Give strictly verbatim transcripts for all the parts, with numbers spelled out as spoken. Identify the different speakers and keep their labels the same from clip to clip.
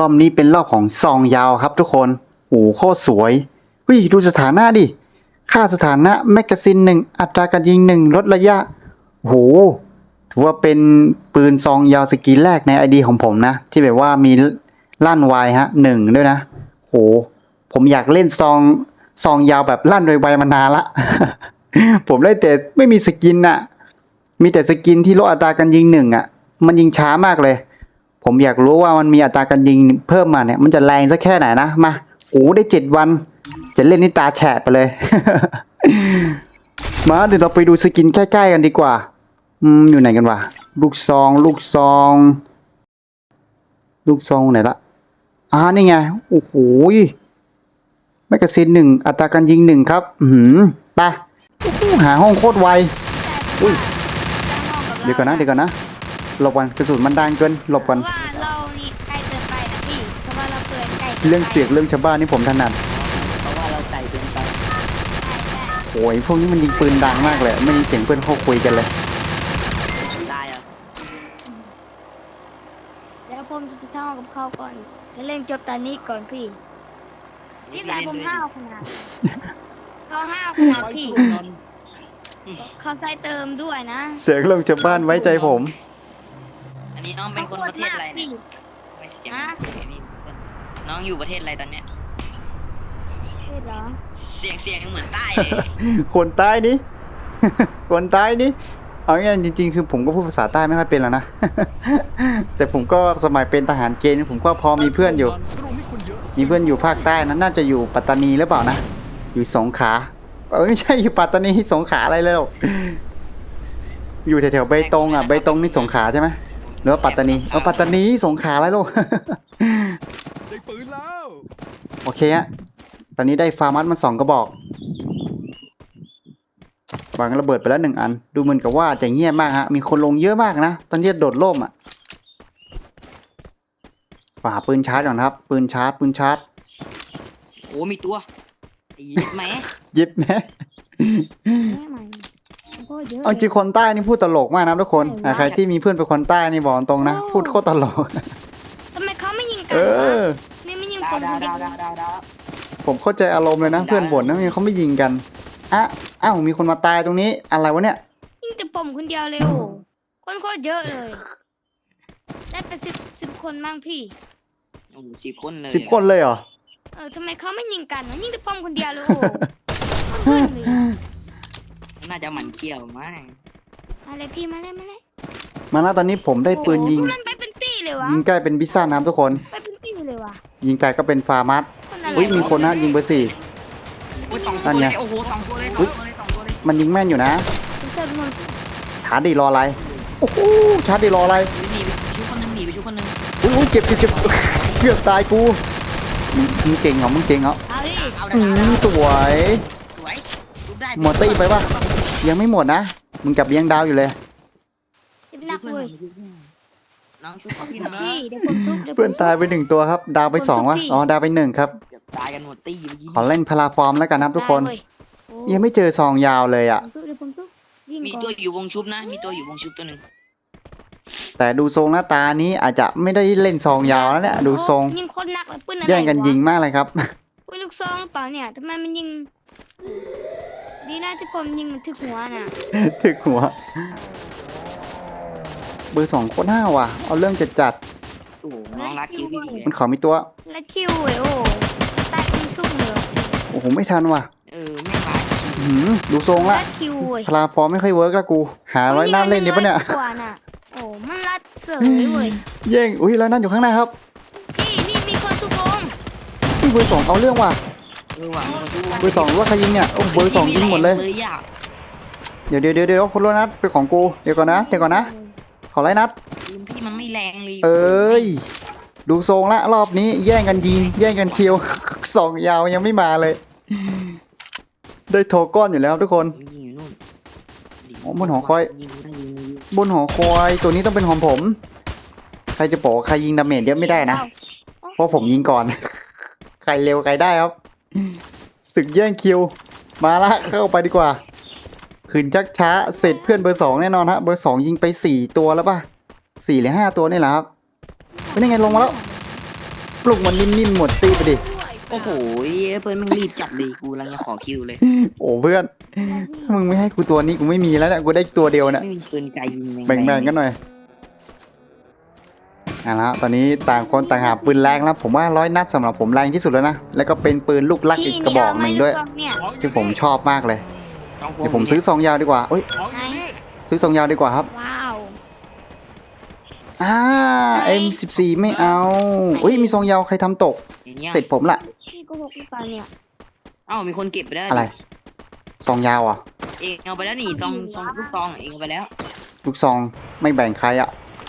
Speaker 1: อบนี้เป็นรอบของซองยาวครับทุกคนโอ้โหโคตรสวยวิดูสถานะดิค่าสถานะแมกกาซีนหนึ่งอัตราการยิงหนึ่งลดระยะโอ้โหถือว่าเป็นปืนซองยาวสกินแรกในไอดีของผมนะที่แบบว่ามีลั่นไวฮะหนึ่งด้วยนะโหผมอยากเล่นซองซองยาวแบบลั่นไวๆมานานละ ผมได้แต่ไม่มีสกินน่ะมีแต่สกินที่ลดอัตราการยิงหนึ่งอ่ะมันยิงช้ามากเลยผมอยากรู้ว่ามันมีอัตราการยิงเพิ่มมาเนี่ยมันจะแรงสักแค่ไหนนะมาโอ้ได้เจ็ดวันจะเล่นนี่ตาแฉะไปเลย มาเดี๋ยวเราไปดูสกินใกล้ๆกันดีกว่าอืมอยู่ไหนกันวะลูกซองลูกซองลูกซองไหนละอ่านี่ไงโอ้โหแมกกาซีนหนึ่งอัตราการยิงหนึ่งครับอืมไปหาห้องโคตรไวอุ้ยเดี๋ยวก่อนนะเดี๋ยวก่อนนะหลบก่อนกระสุนมันดังเกินหลบก่อน
Speaker 2: ว่าเรานี่ใกล้เกินไปนะพี่เพราะว่าเราเกินใกล้
Speaker 1: เรื่องเสียงเรื่องชาวบ้านนี่ผมถนัด
Speaker 3: เพราะว่าเราไก่เกินไป
Speaker 1: โอ้ยพวกนี้มันยิงปืนดังมากเลยไม่มีเสียงเพื่อนเขาคุยกันเลย
Speaker 3: ตายเหรอ
Speaker 2: แล้วผมจะไปสร้างกับเขาก่อนจะเล่นจบตอนนี้ก่อนพี่พี่สายผมห้าวขนาดเขาห้าวขนาดพี่เขาใส่เติมด้วยนะ
Speaker 1: เสียงเรื่องชาวบ้านไว้ใจผม
Speaker 3: อันนี้น้องเป็นคนประเทศอะไรเนี่ยเสียงน้องอยู่ประเทศอะไรตอนเนี้ย
Speaker 2: เฮ้ยเหรอ
Speaker 3: เสียงเสียงเหมือนใต้เลย
Speaker 1: คนใต้นี่ คนใต้นี่เอาง่ายๆจริงๆคือผมก็พูดภาษาใต้ไม่ค่อยเป็นแล้วนะ แต่ผมก็สมัยเป็นทหารเกณฑ์ผมก็พอมีเพื่อนอยู่ มีเพื่อนอยู่ภาคใต้นั้นน่าจะอยู่ปัตตานีหรือเปล่านะอยู่สงขลาเออไม่ใช่อยู่ปัตตานีสงขลาอะไรแล้ว อยู่แถวๆเบตงอ่ะเบตงนี่สงขลาใช่ไหมหรือว่าปัตตานีเออปัตตานีสงขลาอะไรลูก
Speaker 4: ได้ปืนแล้ว
Speaker 1: โอเคฮะตอนนี้ได้ฟาร์มัสมาสองกระบอกวางระเบิดไปแล้วหนึ่งอันดูเหมือนกับว่าจะเงียบมากฮะมีคนลงเยอะมากนะตอนนี้โดดร่มอ่ะหาปืนชาร์จก่อนครับปืนชาร์จปืนชาร์จ
Speaker 3: โอ้มีตัวยิบไหม
Speaker 1: ยิบไหม
Speaker 2: แม่ใหม่โอ้เยอะ
Speaker 1: เอาจริงคนใต้นี่พูดตลกมากนะทุกคนอ่ะใครที่มีเพื่อนเป็นคนใต้นี่บอกตรงนะพูดโคตรตลก
Speaker 2: ทำไมเขาไม่ยิงกั
Speaker 1: เอน
Speaker 2: วะ
Speaker 1: อ
Speaker 2: นี่ไม่ยิง
Speaker 3: ดา
Speaker 2: ผ
Speaker 3: ว
Speaker 2: ม
Speaker 3: ดา
Speaker 2: ค
Speaker 3: วน
Speaker 2: เดี
Speaker 3: ดา
Speaker 2: ยว ว
Speaker 3: ดาวดาวดาว
Speaker 1: ผมเข้าใจอารมณ์เลยนะเพื่อนบ่นนะเขาไม่ยิงกันอ่ะอ้าวมีคนมาตายตรงนี้อะไรวะเนี่ย
Speaker 2: ยิงแต่ผมคนเดียวเลยโอ้คนโคตรเยอะเลยได้ไปสิบสิบคนบ้างพี่
Speaker 3: โอ้สิบคนเลย
Speaker 1: สิบคนเลยเหรอ
Speaker 2: เออทำไมเขาไม่ยิงกันวะยิงแต่ผมคนเดียวเลยโอ้ขึ้นเลย
Speaker 3: น่าจะหมันเขี้ยวมาก
Speaker 2: มาเลยพี่มาเลยมาเลย
Speaker 1: มาแล้วตอนนี้ผมได้ปืนยิง
Speaker 2: โอ้โหมันไปเป็นตี้เลยวะ
Speaker 1: ยิงใกล้เป็นพิซซ่าน้ำทุกคน
Speaker 2: ไปเป็นตี้เลยวะ
Speaker 1: ยิงไกลก็เป็นฟาร์มัส
Speaker 2: คนอะไร
Speaker 1: อุ้ยมีคนนะยิงเบอร์สี่
Speaker 3: โอ้ยสองตัวเลยโอ้โหสองตัวเลยสองตัวเลยสองตัวเลย
Speaker 1: มันยิงแม่นอยู่นะ
Speaker 2: ผมเสิร์ฟมัน
Speaker 1: ชาร์จดีรออะไรโอ้โหชาร์จดีรออะไร
Speaker 3: หนีไปชุบคนนึงหนีไปชุบคนนึง
Speaker 1: อุ้ยอุ้ยเจ็บเจ็บเจ็บเกือบตายกูมึงเก่งเหรอมึงเก่งเหรอ
Speaker 2: เอาดิ
Speaker 3: เอา
Speaker 1: อื
Speaker 3: ได้
Speaker 1: มสวย
Speaker 3: สวยชุบได้
Speaker 1: หมดตี้ไปปะยังไม่หมดนะมึงกลับเลี้ยงดาวอยู่เลย
Speaker 2: จะเป็นนักเว้ย
Speaker 3: น้องชุบขอพี่นะ
Speaker 2: พี่เดี๋ยวผมซุบเดี๋ยวผม
Speaker 1: เพื่อนตายไปหนึ่งตัวครับ ดาวไปสองวะอ๋อดาวไปหนึ่งครับ
Speaker 3: เกือบตายกันหมดตี้เมื่อกี้
Speaker 1: ขอเล่นพลาฟอร์มแล้วกันนะครับทุกคน
Speaker 2: ได้เว้ยโอ้
Speaker 1: ยังไม่เจอซองยาวเลยอ่ะ
Speaker 2: ผมซุบเดี๋ยวผมซุบยิง
Speaker 3: มี
Speaker 2: ก่อน
Speaker 3: ตัวอยู่วงชุบนะ มีตัวอยู่วงชุบตัวหนึ่ง
Speaker 1: แต่ดูทรงหน้าตานี้อาจจะไม่ได้เล่นซองยาวแล้วเนี่ยดูทรง
Speaker 2: ยิงโคนหนักเลยปืนอะไร
Speaker 1: แย่งกันยิง
Speaker 2: วะ
Speaker 1: มากเลยครับ
Speaker 2: อุ้ยลูกซองหรือเปล่าเนี่ยทำไมมันยิง ดีนะที่ผมยิงมันถึกหัวน่ะ
Speaker 1: ถึกหัวเบอร์สองโคตรห้าวว่ะเอาเรื่องจัดจัด
Speaker 3: โอ้โหน้องรักคิวพี่ดี
Speaker 1: ๆมันขอมีตัว
Speaker 2: และคิวเว้ยโอ้ตายเป็นชุ่มเลย
Speaker 1: โอ้โหไม่ทันว่ะ
Speaker 3: เออไม่ขาย
Speaker 1: อื้อหือดูทรงละ
Speaker 2: และคิวเว้ย
Speaker 1: พลาฟอร์มไม่ค่อยเวิร์กละกู หาร้อยหน้าเล่นดีปะเนี่ย
Speaker 2: กว่าน่ะโอ้มันรัดเสยเว้ย
Speaker 1: แย่งอุ้ยร้อยหน้าอยู่ข้างหน้าครับ
Speaker 2: พี่นี่มีคนทุกวง
Speaker 1: นี่เบอร์สองเอาเรื่องว่ะ
Speaker 3: เออว่ะ
Speaker 1: เบอร์สองหรือว่าใครยิงเนี่ยโอ้เบอร์สองยิงหมดเลย
Speaker 3: เลยอ่ะ
Speaker 1: เดี๋ยวเดี๋ยวเดี๋ยวเดี๋ยวคนละนัดเป็นของกูเดี๋ยวก่อนนะเดี๋ยวก่อนนะขอไล่นัด
Speaker 3: ทีมพี่มันไม่แรงเลย
Speaker 1: เอ้ยดูทรงละรอบนี้แย่งกันยิงแย่งกันคิว สองยาวยังไม่มาเลย ได้โทก้อนอยู่แล้วทุกคน
Speaker 3: ยิงอยู่นู่น
Speaker 1: โอ้บนหอคอย
Speaker 3: ยิงได้ยิงได้ยิง
Speaker 1: บนหอคอยตัวนี้ต้องเป็นของผม ใครจะบอกว่าใครยิงดาเมจเยอะไม่ได้นะเพราะผมยิงก่อน ใครเร็วใครได้ครับศึกแย่งคิวมาละเข้าไปดีกว่าขืนชักช้าเสร็จเพื่อนเบอร์สองแน่นอนฮะเบอร์สองยิงไปสี่ตัวแล้วป่ะสี่หรือห้าตัวนี่แหละครับเป็นยังไงลงมาแล้วปลุกมันนิ่มๆหมดตีไปดิ
Speaker 3: โอ้โหเพื่อนมึงรีบจัดเลยกูกำลังจะขอคิวเลย
Speaker 1: โอ้เพื่อนถ้ามึงไม่ให้กูตัวนี้กูไม่มีแล้วเนี่ยกูได้ตัวเดียวเนี่ย
Speaker 3: ไม่มีปืนไกลยิง
Speaker 1: แบ่งๆกันหน่อยเอาละตอนนี้ต่างคนต่างหาปืนแรงแล้วผมว่าร้อยนัดสำหรับผมแรงที่สุดแล้วนะแล้วก็เป็นปืนลูกลักอีกกระบอกหนึ่งด้วย
Speaker 2: พี่นี่เอาไหมลูกซองเนี่ย
Speaker 4: ของอยู่
Speaker 1: ที่ผม
Speaker 4: นี่
Speaker 1: ชอบมากเลย
Speaker 3: ต้องพว
Speaker 1: เดี๋ยวผมซื้อซองยาวดีกว่าเอ้ย
Speaker 4: ของอยู่นี่
Speaker 1: ซื้อซองยาวดีกว่าครับ
Speaker 2: ว้าว
Speaker 1: อ่า เอ็ม สิบสี่ ไม่เอาอุ้ยมีซองยาวใครทำตก
Speaker 3: อย่างเงี้ย
Speaker 1: เสร็จผมละ
Speaker 2: พี่โกหกหรือเปล่าเนี่ย
Speaker 3: เอ้ามีคนเก็บไปแล้ว
Speaker 1: อะไรซองยาวอ่ะ
Speaker 3: เองเอาไปแล้วนี่ซองซองลูกซองเองเอาไปแล้ว
Speaker 1: ลูกซองไม่แบ่งใครอ่ะ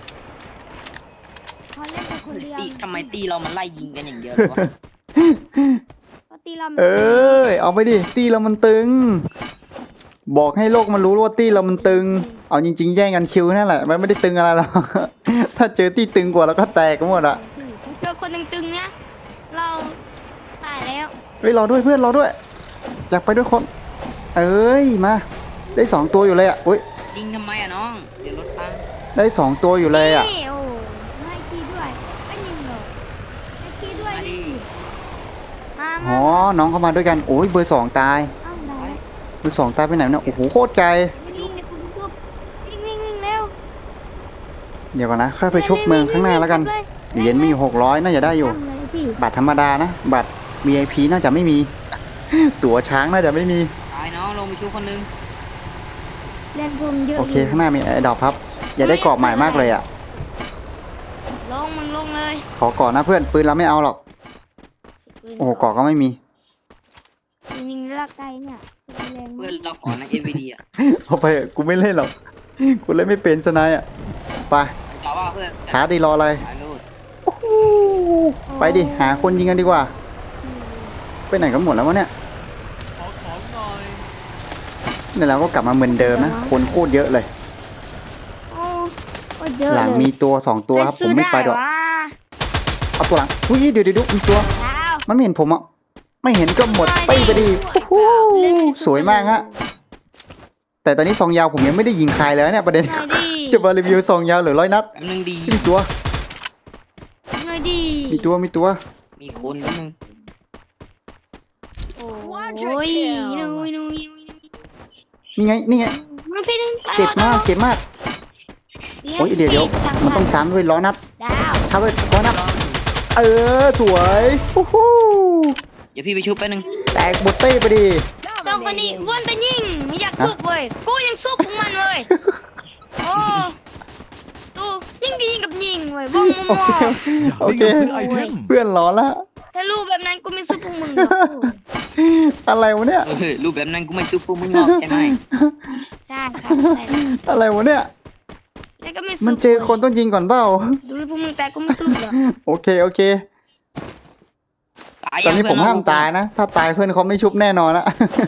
Speaker 2: เขาเล่นแต่คนเดียว
Speaker 3: ตีทำไมตีเรามันไล่ยิงกันอย่างเดียวเลยวะ
Speaker 2: เขาตีเรา
Speaker 1: เอ้ยเอาไปดิตีเรามันตึง บอกให้โลกมันรู้ว่าตีเรามันตึง เอาจริงๆแย่งกันคิวนั่นแหละมันไม่ได้ตึงอะไรหรอก ถ้าเจอตีตึงกว่าแล้วก็แตกกันหมดอ่ะ
Speaker 2: เจอคนตึงๆเนี่ยเราตายแล้ว
Speaker 1: เฮ้ยรอด้วยเพื่อนรอด้วยอยากไปด้วยคน เอ้ยมา ได้สองตัวอยู่เลยอ่ะอุ้ย
Speaker 3: ยิงทำไมอะน้องเดี๋ยวรถพัง
Speaker 1: ได้สองตัวอยู่เลยอ่ะ
Speaker 2: นี่โอ้ไม่ขี้ด้วยไม่ยิงหรอกไม่ขี้ด้วย
Speaker 3: มาดิ
Speaker 2: มา
Speaker 1: อ๋
Speaker 2: มา
Speaker 1: อน้องเข้ามาด้วยกันโอ้ยเบอร์สองตาย
Speaker 2: เอ้าได้
Speaker 1: เบอร์สองตายไปไหนเนี่ยโอ้โหโคตรไกล
Speaker 2: วิ่งในคุณทุบวิ่งวิ่งวิ่งเร็ว
Speaker 1: เดี๋ยวก่อนนะค่อยไปชุบเมืองข้างหน้าแล้วกันเหรียญมีอยู่หกร้อยน่าจะได้อยู่
Speaker 2: ทำเลยพี่
Speaker 1: บัตรธรรมดานะ บัตร วี ไอ พี น่าจะไม่มี ตั๋วช้างน่าจะไม่มี
Speaker 3: ตายน้องลงไปชูคนนึง
Speaker 2: เล่นผมเยอะ
Speaker 1: โอเค ข้างหน้ามีไอ้ดอกครับ อย่าได้กรอบใหม่มากเลยอ่ะ
Speaker 2: ลงมึงลงเลย
Speaker 1: ขอก่อนนะเพื่อน ปืนเราไม่เอาหรอก โอ้โหกรอบก็ไม่มี
Speaker 2: ยิงลักไกเนี่ยแรง
Speaker 3: เพื่
Speaker 2: มา
Speaker 3: อก นเราขอนะเอวีดีอะ
Speaker 1: เอาไปเถอะกูไม่เล่นหรอก กูเล่นไม่เป็นสนายอ่ะ ไป
Speaker 3: แต่ว่าเพื่อน
Speaker 1: ท้าดีรออะไร
Speaker 3: ถ่ายรูป
Speaker 1: ไปดิ หาคนยิงกันดีกว่า ไปไหนกันหมดแล้ววะเนี่ย
Speaker 4: ขอของหน่อย
Speaker 1: เนี่ยเราก็กลับมาเหมือนเดิมนะ คนโคตรเยอะเลย
Speaker 2: โอ้โอ้เยอะ
Speaker 1: หลัง
Speaker 2: เลย
Speaker 1: มีตัวสองตัวครับ ผมไม่ไปดอก เอาตัวหลังอุ้ยเดี๋ยวเดี๋ยวเดี๋ยวมีตัว
Speaker 2: ดาว
Speaker 1: มันไม่เห็นผมอ่ะ ไม่เห็นก็หมดไปไปดิโอ้โหสวยมากฮะ แต่ตอนนี้ซองยาวผมยังไม่ได้ยิงใครเลยเนี่ยประเด็น
Speaker 2: หน่อยดิ
Speaker 1: จะมารีวิวซองยาวหรือร้อยนัด
Speaker 3: แป๊บนึงดี
Speaker 1: มีตัว
Speaker 2: หน่อยดิ
Speaker 1: มีตัว มีตัว
Speaker 3: มีคนแป๊บนึง
Speaker 2: โอ้ยนุยนุย
Speaker 1: นี่ไง นี่ไง
Speaker 2: มันพี่นึง
Speaker 1: เจ็บมาก เจ็บมาก โอ้ยเดี๋ยวเดี๋ยวมันต้องซ้ำด้วยร้อยนัด
Speaker 2: ดาว
Speaker 1: ซ้ำด้วยร้อยนัด เออ สวยโอ้โห
Speaker 3: เดี๋ยวพี่ไปชุบแป๊บนึง
Speaker 1: แตกบดเต้ไปดิ
Speaker 2: สองคนนี้วนแต่ยิงไม่อยากซุบเว้ยกูยังซุบของมันเว้ยโอ้ตูยิงก็ยิงกับยิงเว้ยว่องม
Speaker 1: โอ
Speaker 2: อ
Speaker 1: เค โอเค
Speaker 4: ซื้อไอเทม
Speaker 1: เพื่อนร้อนละ
Speaker 2: ถ้ารู้แบบนั้นกูไม่ซุบพวกมึงหรอก
Speaker 1: อะไรวะเนี่ย
Speaker 3: เออรูปแบบนั้นกูไม่ชุบพวกมึงหรอกใช่ไหม
Speaker 2: ใช่ครับใช่
Speaker 1: อะไรวะเนี่ย
Speaker 2: แล้วก็ไม่ซุบ
Speaker 1: มันเจอคนต้องยิงก่อนเปล่า
Speaker 2: ดูพวกมึงแต่กูไม่ซุบหรอก
Speaker 1: โอเค โอเค
Speaker 3: ตาย
Speaker 1: ตอนนี้
Speaker 3: ยัง
Speaker 1: ผม
Speaker 3: เพื่
Speaker 1: ห้ามตายนะ ถ้าตายเพื่อนเขาไม่ชุบแน่นอนละ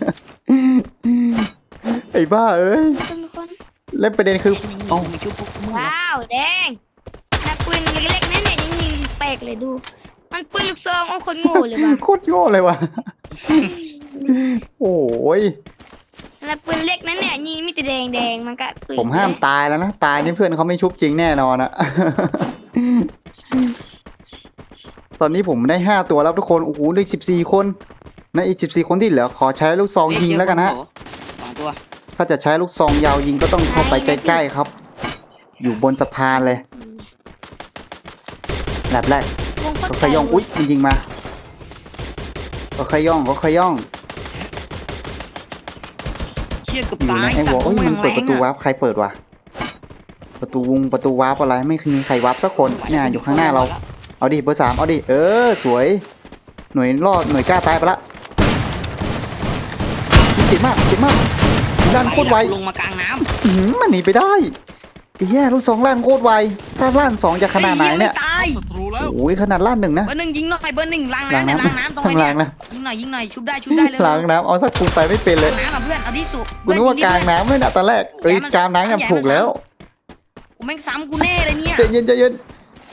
Speaker 1: ไอ้บ้าเอ้ย
Speaker 2: เป็นคน
Speaker 1: และประเด็นคือ
Speaker 3: โอ้ไม่ชุบพวกมึงหรอก
Speaker 2: ว้าวแดงนักปืนเล็กๆนั่นเนี่ยยังยิงแปลกเลยดู มันปืนลูกซองโอ้คนโง่เลยว่ะ
Speaker 1: โคตรโง่เลยว่ะ โอ้ย
Speaker 2: แล้วปืนเล็กนั้นเนี่ยยิงมีแต่แดงแดงๆมันก็ปืน
Speaker 1: ผมห้ามตายแล้วนะ ตายนี่เพื่อนเขาไม่ชุบจริงแน่นอนอะ ตอนนี้ผมได้ห้าตัวแล้วทุกคน โอ้โหได้สิบสี่คนในะอีกสิบสี่คนที่เหลือขอใช้ลูกซองยิงแล้วกันนะ
Speaker 3: สองตัว
Speaker 1: ถ้าจะใช้ลูกซองยาวยิงก็ต้องเข้าไปใกล้ๆครับ อยู่บนสะพานเลยแบบแรก
Speaker 2: วงโคต
Speaker 1: ก็
Speaker 2: ร
Speaker 1: ขย่อง อุ๊ยมันยิงมาก็ขย่องก็ขย่อง
Speaker 3: เชี่ยเกับ
Speaker 1: อยู่
Speaker 3: ตา
Speaker 1: ใน
Speaker 3: ย
Speaker 1: ไอ้
Speaker 3: จั
Speaker 1: หัว
Speaker 3: บ
Speaker 1: โอ้ยมันเปิดประตูวาร์ปใครเปิดวะประตูวงประตูวาร์ปอะไรไม่มีใครวาร์ปสักคนเนี่ยอยู่ข้างหน้าเรา เอาดิเบอร์สามเอาดิเออสวย หน่วยรอดหน่วยกล้าตายไปละเจ็บมากเจ็บมากลั่นโคตรไว
Speaker 3: ลงมากลางน้
Speaker 1: อื้อหือมันหนีไปได้ไอ้แย่ลูกสองลั่นโคตรไวถ้าลั่นสองจะ
Speaker 3: ำ
Speaker 1: ขนาดไหนเนี่ย
Speaker 3: ตาย
Speaker 4: ศัตรูแล้ว
Speaker 1: โอ้ยขนาดลั่นหนึ่งนะ
Speaker 3: เบอร์หนึ่งยิงหน่อยเบอร์หนึ่งล้าง
Speaker 1: ล้าง
Speaker 3: น้ำเนี่ย
Speaker 1: น้ำ
Speaker 3: ล้างน้ำตรง
Speaker 1: ข้าง
Speaker 3: นี้
Speaker 1: ล่างนะ
Speaker 3: ยิงหน่อยยิงหน่อยชุบได้ชุบได้เลย
Speaker 1: ล้างน้ำเอาสักคูณไปไม่เป็นเลย
Speaker 3: ล้างน้ำอ่ะเพื่อนเอาที่สุด
Speaker 1: กูนึกว่ากลางน้ำเลยนะตอนแรกเอ้ยกลางน้ำยังถูกแล้ว
Speaker 3: กูแม่งซ้ำกูแน่เลยเนี่ย
Speaker 1: ใจเย็นใจเย็น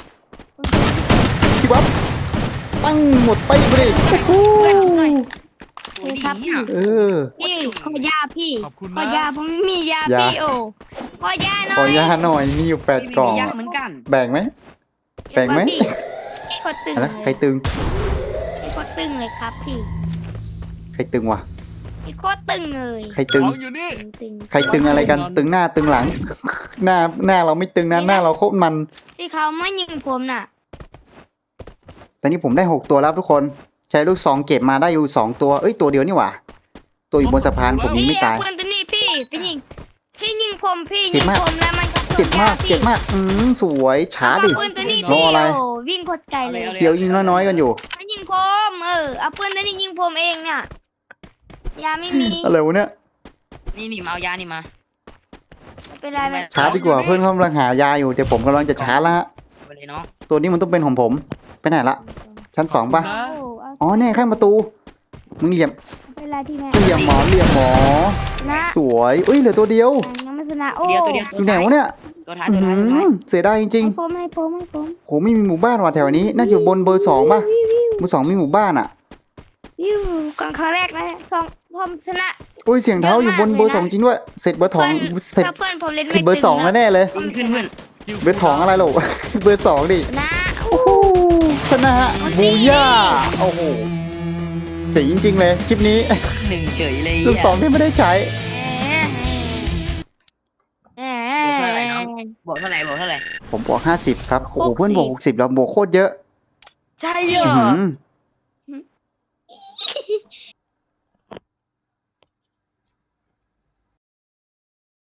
Speaker 1: พี่บ๊อบตั้งหมดไปไปดิโอ้โห
Speaker 3: โอ้ยดีอ่ะ
Speaker 1: เออ
Speaker 2: พี่ขอยาพี่
Speaker 4: ขอบคุณ
Speaker 2: ขอ
Speaker 4: นะ
Speaker 2: ยาผมไม่มียาย
Speaker 1: า
Speaker 2: พี่โอ้ขอยาหน่
Speaker 1: ข
Speaker 2: อ
Speaker 1: อย ยาหน่อยมีอยู่แปด
Speaker 3: ไม่
Speaker 1: กล่อง
Speaker 3: มียัก
Speaker 1: อะ
Speaker 3: ษ์เหมือนกัน
Speaker 1: แบ่งไหม แบ่งไหม
Speaker 2: พี่ขตรตึง
Speaker 1: อะไร
Speaker 2: เล
Speaker 1: ใคร
Speaker 2: ย
Speaker 1: ตึง
Speaker 2: พี่โคตรตึงเลยครับพี่
Speaker 1: ใครตึงวะ
Speaker 2: พี่โคตรตึงเลย
Speaker 1: ใครตึง
Speaker 4: ของอยู่นี่
Speaker 2: ตึงตึง
Speaker 1: ใครตึงอะไรกัน ตึงหน้าตึงหลัง หน้าหน้าเราไม่ตึงนะหน้าเราโคตรมัน
Speaker 2: ที่เขาไม่ยิงผมน่ะ
Speaker 1: ตอนนี้ผมได้หกตัวแล้วทุกคน ใช้ลูกซองเก็บมาได้อยู่สองตัว เอ้ยตัวเดียวนี่หว่า ตัวอยู่บนสะพานผมยิง
Speaker 2: พี่
Speaker 1: ไม่ตาย
Speaker 2: เอาปืนตัวนี้พี่พี่ยิงพี่ยิงผมพี่
Speaker 1: เจ็
Speaker 2: ยิ
Speaker 1: บ
Speaker 2: ง
Speaker 1: มาก
Speaker 2: ผมแล้วมันก็
Speaker 1: เจ็บมาก เจ็บมาก อืมสวยช้าดิ
Speaker 2: เอาปืนตัวนี้
Speaker 1: รอ
Speaker 2: พี่
Speaker 1: อะไร
Speaker 2: โอ้วิ่งโคตรไกลเลย
Speaker 3: เอาเลย
Speaker 1: เขียวยิงน้อยๆกันอยู่
Speaker 2: มันยิงผมเออเอาปืนตัวนี้ยิงผมเองเนี่ยยาไม่มี
Speaker 1: อะไรวะเนี่ย
Speaker 3: นี่นี่มาเอายานี่มา
Speaker 2: ไม่เป็นไรไม่
Speaker 1: ช้าดีกว่าเพื่อนเขากำลังหายาอยู่แต่ผมกำลังจะช้าละฮะ
Speaker 3: ไปเลยน้อง
Speaker 1: ตัวนี้มันต้องเป็นของผม ไปไหนละ ชั้นสองปะ
Speaker 2: โอ้เอา
Speaker 1: อ๋อเนี่ยข้างประตู มึงเหลี่ยม
Speaker 2: ไม่เป็นไรที่แม่
Speaker 1: เหลี่ยมหมอเหลี่ยมหมอ
Speaker 2: นะ
Speaker 1: สวยอุ้ยเหลือตัวเดียว
Speaker 2: ยังไม่ชนะโอ้
Speaker 3: ตัวเดียวตัวเดียว
Speaker 1: อยู่ไหนวะเนี่ย
Speaker 3: ตัวท้าย
Speaker 1: อื
Speaker 3: ตัวท้ายตัวท้าย
Speaker 1: มเสียดายจริง
Speaker 2: ให้ผมให้ผมให้ผม
Speaker 1: ๆโหไม่มีหมู่บ้านว่ะแถวนี้ น่าจะอยู่บนเบอร์สองป่ะเบอร์สองมีหมู่บ้านอ่ะ
Speaker 2: ยูก่อนครั้งแรกนะสองผมชนะ
Speaker 1: อุ้ยเสียงเท้าอยู่บนเบอร์สองจริงด้วย เสร็จเบอร์สองเสร็จ
Speaker 2: ถ้าเพื่อนผมเล่น
Speaker 1: เสร็
Speaker 2: ไม่
Speaker 1: จเบอร์สอง
Speaker 2: ตึ
Speaker 1: แล้วแน่เลย
Speaker 3: ยิงขึ้นเพื่อน
Speaker 1: เบอร์สองอะไรหรอ เบอร์สองดิ
Speaker 2: นะ
Speaker 1: โอ้โหชนะฮะบูย่าโอ้โหเจ๋งจริงๆเลยคลิปนี้
Speaker 3: หนึ่งเฉยเลย
Speaker 1: ลูกสองที่ไม่ได้ใช้
Speaker 2: แหม
Speaker 3: บวกเท่าไหร่บวกเท่าไหร่
Speaker 1: ผมบวกห้าสิบครับ โอ้โห
Speaker 2: หกสิบ
Speaker 1: เพื่อนบวกหกสิบแล้วบวกโคตรเยอะ
Speaker 3: ใช่
Speaker 1: อื้อหือ